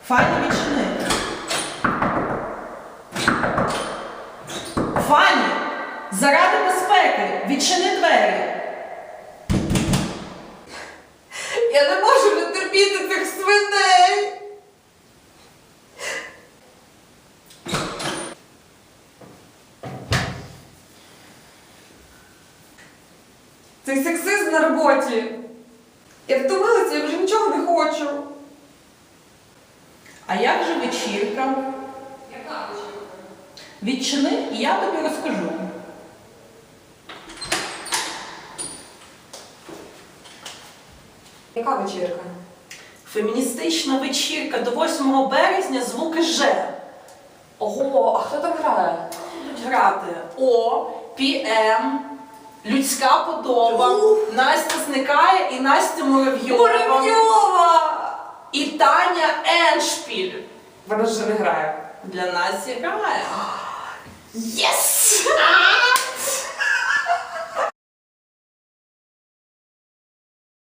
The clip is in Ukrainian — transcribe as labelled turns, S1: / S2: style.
S1: Фані, відчини. Фані, заради безпеки, відчини двері.
S2: Я не можу не терпіти цих свиней. Цей сексизм на роботі. Я втомилася, я вже нічого не хочу.
S1: А як же вечірка?
S2: Яка вечірка?
S1: Відчини, і я тобі розкажу.
S2: Яка вечірка?
S1: Феміністична вечірка до 8 березня звуки Ж.
S2: Ого, а хто там грає?
S1: Будуть грати О, ПМ, Людська подоба, Настя Зникає і Настя Муравйова.
S2: Муравйова!
S1: І Таня Еншпіль.
S2: Вона ж не грає.
S1: Для нас грає.
S2: Єс!